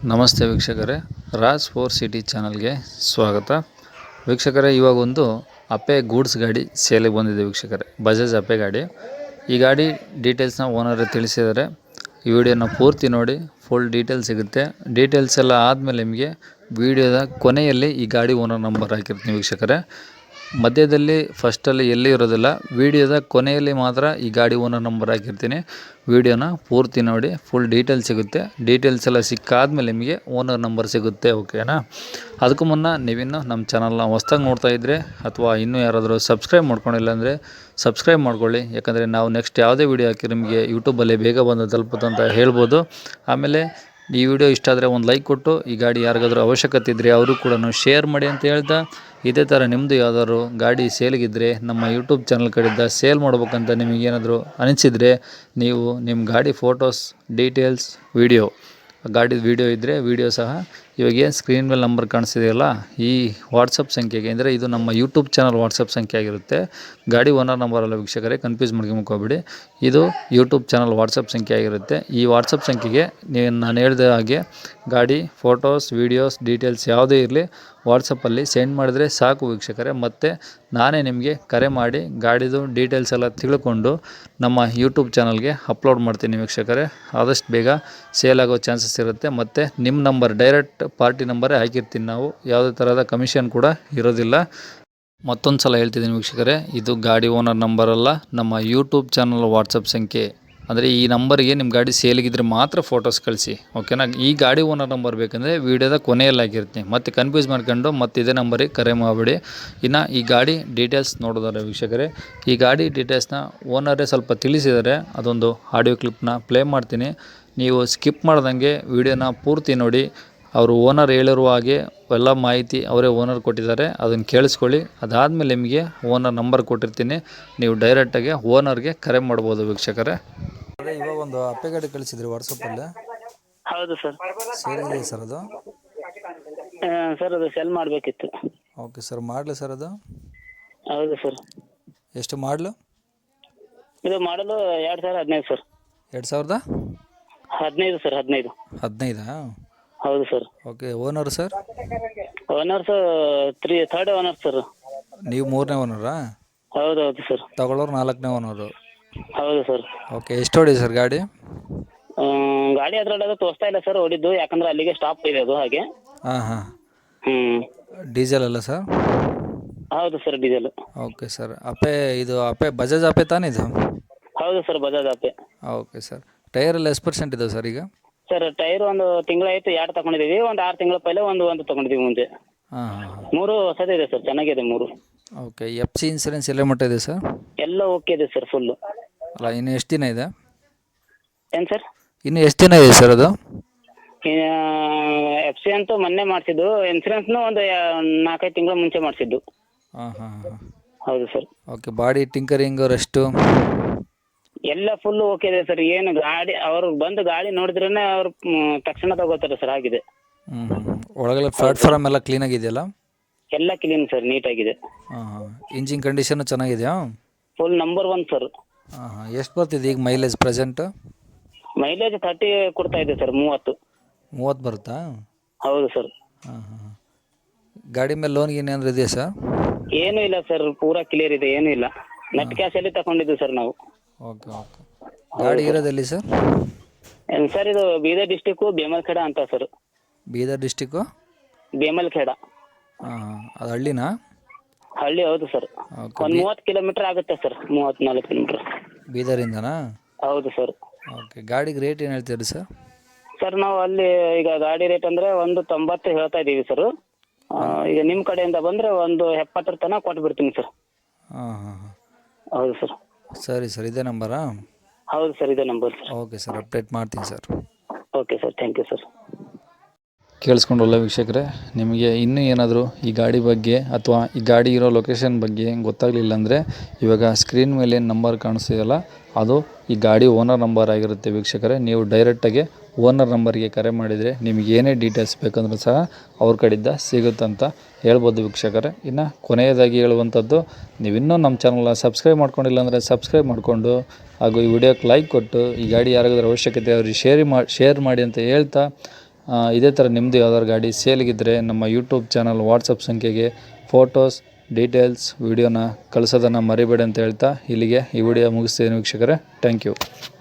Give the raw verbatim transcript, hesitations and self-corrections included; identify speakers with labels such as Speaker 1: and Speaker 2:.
Speaker 1: ನಮಸ್ತೆ ವೀಕ್ಷಕರೇ, Raj four city ಚಾನಲ್ಗೆ ಸ್ವಾಗತ. ವೀಕ್ಷಕರೇ, ಇವಾಗ ಒಂದು ಅಪ್ಪೆ ಗೂಡ್ಸ್ ಗಾಡಿ ಸೇಲಿಗೆ ಬಂದಿದೆ ವೀಕ್ಷಕರೇ. ಬಜಾಜ್ ಅಪ್ಪೆ ಗಾಡಿ. ಈ ಗಾಡಿ ಡೀಟೇಲ್ಸ್ನ ಓನರ್ ತಿಳಿಸಿದ್ದಾರೆ. ಈ ವಿಡಿಯೋನ ಪೂರ್ತಿ ನೋಡಿ, ಫುಲ್ ಡೀಟೇಲ್ಸ್ ಸಿಗುತ್ತೆ. ಡೀಟೇಲ್ಸ್ ಎಲ್ಲ ಆದಮೇಲೆ ನಿಮಗೆ ವಿಡಿಯೋದ ಕೊನೆಯಲ್ಲಿ ಈ ಗಾಡಿ ಓನರ್ ನಂಬರ್ ಹಾಕಿರ್ತೀನಿ ವೀಕ್ಷಕರೇ. ಮಧ್ಯದಲ್ಲಿ ಫಸ್ಟಲ್ಲಿ ಎಲ್ಲಿ ಇರೋದಿಲ್ಲ, ವಿಡಿಯೋದ ಕೊನೆಯಲ್ಲಿ ಮಾತ್ರ ಈ ಗಾಡಿ ಓನರ್ ನಂಬರ್ ಹಾಕಿರ್ತೀನಿ. ವಿಡಿಯೋನ ಪೂರ್ತಿ ನೋಡಿ, ಫುಲ್ ಡೀಟೇಲ್ಸ್ ಸಿಗುತ್ತೆ. ಡೀಟೇಲ್ಸ್ ಎಲ್ಲ ಸಿಕ್ಕಾದ್ಮೇಲೆ ನಿಮಗೆ ಓನರ್ ನಂಬರ್ ಸಿಗುತ್ತೆ, ಓಕೆನಾ? ಅದಕ್ಕೂ ಮುನ್ನ ನೀವಿನ್ನೂ ನಮ್ಮ ಚಾನಲ್ನ ಹೊಸ್ದಾಗಿ ನೋಡ್ತಾ ಇದ್ದರೆ ಅಥವಾ ಇನ್ನೂ ಯಾರಾದರೂ ಸಬ್ಸ್ಕ್ರೈಬ್ ಮಾಡ್ಕೊಂಡಿಲ್ಲ ಅಂದರೆ ಸಬ್ಸ್ಕ್ರೈಬ್ ಮಾಡ್ಕೊಳ್ಳಿ. ಯಾಕಂದರೆ ನಾವು ನೆಕ್ಸ್ಟ್ ಯಾವುದೇ ವಿಡಿಯೋ ಹಾಕಿ ನಿಮಗೆ ಯೂಟ್ಯೂಬಲ್ಲಿ ಬೇಗ ಬಂದು ತಲುಪುತ್ತೆ ಅಂತ ಹೇಳ್ಬೋದು. ಆಮೇಲೆ ಈ ವಿಡಿಯೋ ಇಷ್ಟ ಆದರೆ ಒಂದು ಲೈಕ್ ಕೊಟ್ಟು ಈ ಗಾಡಿ ಯಾರಿಗಾದ್ರೂ ಅವಶ್ಯಕತೆ ಇದ್ದರೆ ಅವರು ಕೂಡ ಶೇರ್ ಮಾಡಿ ಅಂತ ಹೇಳ್ತಾ, ಇದೇ ಥರ ನಿಮ್ಮದು ಯಾವ್ದಾದ್ರು ಗಾಡಿ ಸೇಲ್ಗಿದ್ದರೆ ನಮ್ಮ ಯೂಟ್ಯೂಬ್ ಚಾನಲ್ ಕಡೆಯಿಂದ ಸೇಲ್ ಮಾಡ್ಬೇಕಂತ ನಿಮಗೇನಾದರೂ ಅನಿಸಿದರೆ ನೀವು ನಿಮ್ಮ ಗಾಡಿ ಫೋಟೋಸ್, ಡೀಟೇಲ್ಸ್, ವೀಡಿಯೋ, ಗಾಡಿದ ವೀಡಿಯೋ ಇದ್ದರೆ ವೀಡಿಯೋ ಸಹ ಇವಾಗ ಏನು ಸ್ಕ್ರೀನ್ ಮೇಲೆ ನಂಬರ್ ಕಾಣಿಸ್ತಿದೆಯಲ್ಲ ಈ ವಾಟ್ಸಪ್ ಸಂಖ್ಯೆಗೆ, ಅಂದರೆ ಇದು ನಮ್ಮ ಯೂಟ್ಯೂಬ್ ಚಾನಲ್ ವಾಟ್ಸಪ್ ಸಂಖ್ಯೆ ಆಗಿರುತ್ತೆ. ಗಾಡಿ ಓನರ್ ನಂಬರ್ ಅಲ್ಲ ವೀಕ್ಷಕರೇ, ಕನ್ಫ್ಯೂಸ್ ಮಾಡ್ಕೊಂಬಿಡಿ. ಇದು ಯೂಟ್ಯೂಬ್ ಚಾನಲ್ ವಾಟ್ಸಪ್ ಸಂಖ್ಯೆ ಆಗಿರುತ್ತೆ. ಈ ವಾಟ್ಸಪ್ ಸಂಖ್ಯೆಗೆ ನೀವು ನಾನು ಹೇಳಿದ ಹಾಗೆ ಗಾಡಿ ಫೋಟೋಸ್, ವೀಡಿಯೋಸ್, ಡೀಟೇಲ್ಸ್ ಯಾವುದೇ ಇರಲಿ ವಾಟ್ಸಪ್ಪಲ್ಲಿ ಸೆಂಡ್ ಮಾಡಿದರೆ ಸಾಕು ವೀಕ್ಷಕರೇ. ಮತ್ತು ನಾನೇ ನಿಮಗೆ ಕರೆ ಮಾಡಿ ಗಾಡಿದು ಡೀಟೇಲ್ಸ್ ಎಲ್ಲ ತಿಳ್ಕೊಂಡು ನಮ್ಮ ಯೂಟ್ಯೂಬ್ ಚಾನಲ್ಗೆ ಅಪ್ಲೋಡ್ ಮಾಡ್ತೀನಿ ವೀಕ್ಷಕರೇ. ಆದಷ್ಟು ಬೇಗ ಸೇಲ್ ಆಗೋ ಚಾನ್ಸಸ್ ಇರುತ್ತೆ. ಮತ್ತು ನಿಮ್ಮ ನಂಬರ್ ಡೈರೆಕ್ಟ್ ಪಾರ್ಟಿ ನಂಬರೇ ಹಾಕಿರ್ತೀನಿ ನಾವು, ಯಾವುದೇ ಥರದ ಕಮಿಷನ್ ಕೂಡ ಇರೋದಿಲ್ಲ. ಮತ್ತೊಂದು ಸಲ ಹೇಳ್ತಿದ್ದೀನಿ ವೀಕ್ಷಕರೇ, ಇದು ಗಾಡಿ ಓನರ್ ನಂಬರ್ ಅಲ್ಲ, ನಮ್ಮ ಯೂಟ್ಯೂಬ್ ಚಾನಲ್ ವಾಟ್ಸಪ್ ಸಂಖ್ಯೆ. ಅಂದರೆ ಈ ನಂಬರ್ಗೆ ನಿಮ್ಮ ಗಾಡಿ ಸೇಲಿಗಿದ್ರೆ ಮಾತ್ರ ಫೋಟೋಸ್ ಕಳಿಸಿ, ಓಕೆನಾ? ಈ ಗಾಡಿ ಓನರ್ ನಂಬರ್ ಬೇಕಂದರೆ ವೀಡಿಯೋದ ಕೊನೆಯಲ್ಲಿ ಹಾಕಿರ್ತೀನಿ. ಮತ್ತು ಕನ್ಫ್ಯೂಸ್ ಮಾಡ್ಕೊಂಡು ಮತ್ತೆ ಇದೇ ನಂಬರಿಗೆ ಕರೆ ಮಾಡಿಬಿಡಿ. ಇನ್ನು ಈ ಗಾಡಿ ಡೀಟೇಲ್ಸ್ ನೋಡೋದಾರೆ ವೀಕ್ಷಕರೇ, ಈ ಗಾಡಿ ಡೀಟೇಲ್ಸ್ನ ಓನರೇ ಸ್ವಲ್ಪ ತಿಳಿಸಿದ್ದಾರೆ. ಅದೊಂದು ಆಡಿಯೋ ಕ್ಲಿಪ್ನ ಪ್ಲೇ ಮಾಡ್ತೀನಿ, ನೀವು ಸ್ಕಿಪ್ ಮಾಡ್ದಂಗೆ ವೀಡಿಯೋನ ಪೂರ್ತಿ ನೋಡಿ. ಅವರು ಓನರ್ ಹೇಳಿರುವ ಹಾಗೆ ಎಲ್ಲ ಮಾಹಿತಿ ಅವರೇ ಓನರ್ ಕೊಟ್ಟಿದ್ದಾರೆ, ಅದನ್ನು ಕೇಳಿಸ್ಕೊಳ್ಳಿ. ಅದಾದಮೇಲೆ ನಿಮಗೆ ಓನರ್ ನಂಬರ್ ಕೊಟ್ಟಿರ್ತೀನಿ, ನೀವು ಡೈರೆಕ್ಟಾಗಿ ಓನರ್ಗೆ ಕರೆ ಮಾಡ್ಬೋದು ವೀಕ್ಷಕರೇ. ಅದೇ ಇವಾಗ ಒಂದು ಅಪ್ಪೆ ಗಾಡಿ ಕಳಿಸಿದ್ರಿ ವಾಟ್ಸಪ್ಪಲ್ಲಿ.
Speaker 2: ಹೌದು ಸರ್.
Speaker 1: ಸೇಲ್ ಇದೆ ಸರ್ ಅದು?
Speaker 2: ಸರ್ ಅದು ಸೆಲ್ ಮಾಡಬೇಕಿತ್ತು.
Speaker 1: ಓಕೆ ಸರ್, ಮಾಡಲಿ ಸರ್ ಅದು?
Speaker 2: ಹೌದು ಸರ್.
Speaker 1: ಎಷ್ಟು ಮಾಡಲು?
Speaker 2: ಇದು ಮಾಡಲು ಎರಡು ಸಾವಿರ ಹದಿನೈದು ಸರ್.
Speaker 1: ಎರಡು ಸಾವಿರದ
Speaker 2: ಹದಿನೈದು ಸರ್. ಹದಿನೈದು
Speaker 1: ಹದಿನೈದಾ?
Speaker 2: ಹೌದು sir.
Speaker 1: Okay. Owner sir?
Speaker 2: Owners three third owner sir.
Speaker 1: ನೀವು ಮೂರನೇ ಓನರಾ?
Speaker 2: ಹೌದು ಹೌದು ಸರ್.
Speaker 1: ತಗೊಳ್ಳೋರು ನಾಲ್ಕನೇ ಓನರು?
Speaker 2: ಹೌದು ಸರ್.
Speaker 1: ಓಕೆ. ಎಷ್ಟು ಹೊಡಿ ಸರ್ ಗಾಡಿ?
Speaker 2: ಗಾಡಿ ಅದರಲ್ಲಿ ಅದು ತೋರಿಸ್ತಾ ಇಲ್ಲ ಸರ್ ಹೊಡಿದ್ದು, ಯಾಕಂದ್ರೆ ಅಲ್ಲಿಗೆ ಸ್ಟಾಪ್ ಇದೆ ಅದು ಹಾಗೆ.
Speaker 1: ಹಾಂ ಹಾಂ.
Speaker 2: ಹ್ಞೂ.
Speaker 1: ಡೀಸೆಲ್ ಅಲ್ಲ ಸರ್?
Speaker 2: ಹೌದು sir, diesel.
Speaker 1: Okay sir. Ape ಇದು ಅಪ್ಪೆ ಬಜಾಜ್ ಅಪ್ಪೆ ತಾನೇ ಇದು?
Speaker 2: ಹೌದು sir, Bajaj Ape.
Speaker 1: Okay sir. Tyre ಎಲ್ಲ ಎಷ್ಟು ಪರ್ಸೆಂಟ್ ಇದಾವೆ ಸರ್ ಈಗ?
Speaker 2: ಸರ್ ಟೈರ್ ಒಂದು ತಿಂಗಳಾಯಿತು ಎರಡು ತಗೊಂಡಿದ್ದೀವಿ. ಒಂದು ಆರು ತಿಂಗಳ ಪೈಲೆ ಒಂದು ಒಂದು ತಗೊಂಡಿದ್ದೀವಿ ಮುಂದೆ.
Speaker 1: ಹಾಂ ಹಾಂ ಹಾಂ.
Speaker 2: ಮೂರು ಹೊಸದೇ ಇದೆ ಸರ್, ಚೆನ್ನಾಗಿದೆ ಮೂರು.
Speaker 1: ಓಕೆ. ಎಫ್ ಸಿ ಇನ್ಸೂರೆನ್ಸ್ ಎಲ್ಲ ಮಟ್ಟ ಇದೆ ಸರ್?
Speaker 2: ಎಲ್ಲ ಓಕೆ ಇದೆ ಸರ್, ಫುಲ್ಲು.
Speaker 1: ಅಲ್ಲ, ಇನ್ನು ಎಷ್ಟು ದಿನ ಇದೆ?
Speaker 2: ಏನು ಸರ್?
Speaker 1: ಇನ್ನು ಎಷ್ಟು ದಿನ ಇದೆ ಸರ್ ಅದು?
Speaker 2: ಎಫ್ ಸಿ ಅಂತೂ ಮೊನ್ನೆ ಮಾಡಿಸಿದ್ದು, ಇನ್ಸೂರೆನ್ಸ್ನು ಒಂದು ನಾಲ್ಕೈದು ತಿಂಗಳ ಮುಂಚೆ ಮಾಡಿಸಿದ್ದು.
Speaker 1: ಹಾಂ ಹಾಂ ಹಾಂ.
Speaker 2: ಹೌದು sir.
Speaker 1: Okay. Body tinkering rest
Speaker 2: ಎಲ್ಲ ಫುಲ್ಲು ಓಕೆ ಇದೆ ಸರ್. ಏನು ಗಾಡಿ ಅವ್ರು ಬಂದು ಗಾಡಿ ನೋಡಿದ್ರೇ ಅವ್ರು ತಕ್ಷಣ ತಗೋತಾರೆ ಸರ್, ಆಗಿದೆ.
Speaker 1: ಹ್ಞೂ ಹ್ಞೂ. ಒಳಗೆಲ್ಲ ಪ್ಲಾಟ್ಫಾರ್ಮ್ ಎಲ್ಲ ಕ್ಲೀನಾಗಿದೆಯಲ್ಲ?
Speaker 2: ಎಲ್ಲ ಕ್ಲೀನ್ ಸರ್, ನೀಟಾಗಿದೆ.
Speaker 1: ಹಾಂ ಹಾಂ. ಇಂಜಿನ್ ಕಂಡೀಷನು ಚೆನ್ನಾಗಿದೆಯಾ?
Speaker 2: Full number one sir.
Speaker 1: ಹಾಂ ಹಾಂ. ಎಷ್ಟು ಬರ್ತಿದೆ ಈಗ ಮೈಲೇಜ್ ಪ್ರೆಸೆಂಟು?
Speaker 2: ಮೈಲೇಜ್ ತರ್ಟಿ ಕೊಡ್ತಾ ಇದೆ ಸರ್, ಮೂವತ್ತು.
Speaker 1: ಮೂವತ್ತು ಬರುತ್ತಾ?
Speaker 2: ಹೌದು ಸರ್.
Speaker 1: ಹಾಂ ಹಾಂ. ಗಾಡಿ ಮೇಲೆ ಲೋನ್ ಗೀನ್ ಏನಾದ್ರು ಇದೆಯಾ ಸರ್?
Speaker 2: ಏನೂ ಇಲ್ಲ ಸರ್, ಪೂರಾ ಕ್ಲಿಯರ್ ಇದೆ, ಏನೂ ಇಲ್ಲ. ನೆಟ್ ಕ್ಯಾಶಲ್ಲಿ ತಗೊಂಡಿದ್ದು ಸರ್ ನಾವು.
Speaker 1: Okay okay. ಗಾಡಿ ಇರೋದೆಲ್ಲಿ ಸರ್?
Speaker 2: ಏನು ಸರ್, ಇದು ಬೀದರ್ ಡಿಸ್ಟಿಕ್ಕು ಬೇಮಲ್ಖೇಡ ಅಂತ ಸರ್.
Speaker 1: ಬೀದರ್ ಡಿಸ್ಟಿಕ್ಕು
Speaker 2: ಬೇಮಲ್ಖೇಡ.
Speaker 1: ಹಾಂ ಹಾಂ. ಅದು ಹಳ್ಳಿನಾ?
Speaker 2: ಹಳ್ಳಿ, ಹೌದು ಸರ್.
Speaker 1: ಓಕೆ.
Speaker 2: ಒಂದು ಮೂವತ್ತು ಕಿಲೋಮೀಟರ್ ಆಗುತ್ತೆ ಸರ್, ಮೂವತ್ತ್ನಾಲ್ಕು ಕಿಲೋಮೀಟ್ರ್
Speaker 1: ಬೀದರಿಂದನಾ?
Speaker 2: ಹೌದು ಸರ್.
Speaker 1: ಓಕೆ. ಗಾಡಿಗೆ ರೇಟ್ ಏನು ಹೇಳ್ತೀರಿ ಸರ್?
Speaker 2: ಸರ್ ನಾವು ಅಲ್ಲಿ ಈಗ ಗಾಡಿ ರೇಟ್ ಅಂದರೆ ಒಂದು ತೊಂಬತ್ತು ಹೇಳ್ತಾ ಇದ್ದೀವಿ ಸರ್. ಈಗ ನಿಮ್ಮ ಕಡೆಯಿಂದ ಬಂದರೆ ಒಂದು ಎಪ್ಪತ್ತರ ತನಕ ಕೊಟ್ಬಿಡ್ತೀನಿ ಸರ್.
Speaker 1: ಹಾಂ ಹಾಂ ಹಾಂ.
Speaker 2: ಹೌದು ಸರ್.
Speaker 1: ಸರಿ ಸರ್, ಇದೇ ನಂಬರಾ?
Speaker 2: ಹೌದು ಸರ್, ಇದೇ number sir.
Speaker 1: Okay sir, update ಮಾಡ್ತೀನಿ sir.
Speaker 2: Okay sir, thank you sir.
Speaker 1: ಕೇಳಿಸ್ಕೊಂಡ್ರಲ್ಲ ವೀಕ್ಷಕರೇ, ನಿಮಗೆ ಇನ್ನೂ ಏನಾದರೂ ಈ ಗಾಡಿ ಬಗ್ಗೆ ಅಥವಾ ಈ ಗಾಡಿ ಇರೋ ಲೊಕೇಶನ್ ಬಗ್ಗೆ ಗೊತ್ತಾಗಲಿಲ್ಲ ಅಂದರೆ ಇವಾಗ ಸ್ಕ್ರೀನ್ ಮೇಲೆ ಏನು ನಂಬರ್ ಕಾಣಿಸ್ತಿದೆಯಲ್ಲ ಅದು ಈ ಗಾಡಿ ಓನರ್ ನಂಬರ್ ಆಗಿರುತ್ತೆ ವೀಕ್ಷಕರೇ. ನೀವು ಡೈರೆಕ್ಟಾಗಿ ಓನರ್ ನಂಬರ್ಗೆ ಕರೆ ಮಾಡಿದರೆ ನಿಮಗೆ ಏನೇ ಡೀಟೇಲ್ಸ್ ಬೇಕಂದ್ರೂ ಸಹ ಅವ್ರ ಕಡೆಯಿಂದ ಸಿಗುತ್ತಂತ ಹೇಳ್ಬೋದು ವೀಕ್ಷಕರೇ. ಇನ್ನು ಕೊನೆಯದಾಗಿ ಹೇಳುವಂಥದ್ದು, ನೀವಿನ್ನೂ ನಮ್ಮ ಚಾನಲ್ನ ಸಬ್ಸ್ಕ್ರೈಬ್ ಮಾಡ್ಕೊಂಡಿಲ್ಲ ಅಂದರೆ ಸಬ್ಸ್ಕ್ರೈಬ್ ಮಾಡಿಕೊಂಡು ಹಾಗೂ ಈ ವಿಡಿಯೋಕ್ಕೆ ಲೈಕ್ ಕೊಟ್ಟು ಈ ಗಾಡಿ ಯಾರಿಗಾದ್ರೂ ಅವಶ್ಯಕತೆ ಅವ್ರಿಗೆ ಶೇರ್ ಮಾಡಿ ಶೇರ್ ಮಾಡಿ ಅಂತ ಹೇಳ್ತಾ ಆ, ಇದೇ ಥರ ನಿಮ್ಮದು ಯಾವ್ದಾದ್ರು ಗಾಡಿ ಸೇಲ್ಗಿದ್ದರೆ ನಮ್ಮ ಯೂಟ್ಯೂಬ್ ಚಾನಲ್ ವಾಟ್ಸಪ್ ಸಂಖ್ಯೆಗೆ ಫೋಟೋಸ್ ಡೀಟೇಲ್ಸ್ ವೀಡಿಯೋನ ಕಳಿಸೋದನ್ನು ಮರಿಬೇಡಿ ಅಂತ ಹೇಳ್ತಾ ಇಲ್ಲಿಗೆ ಈ ವಿಡಿಯೋ ಮುಗಿಸ್ತೀನಿ ವೀಕ್ಷಕರೇ. Thank you.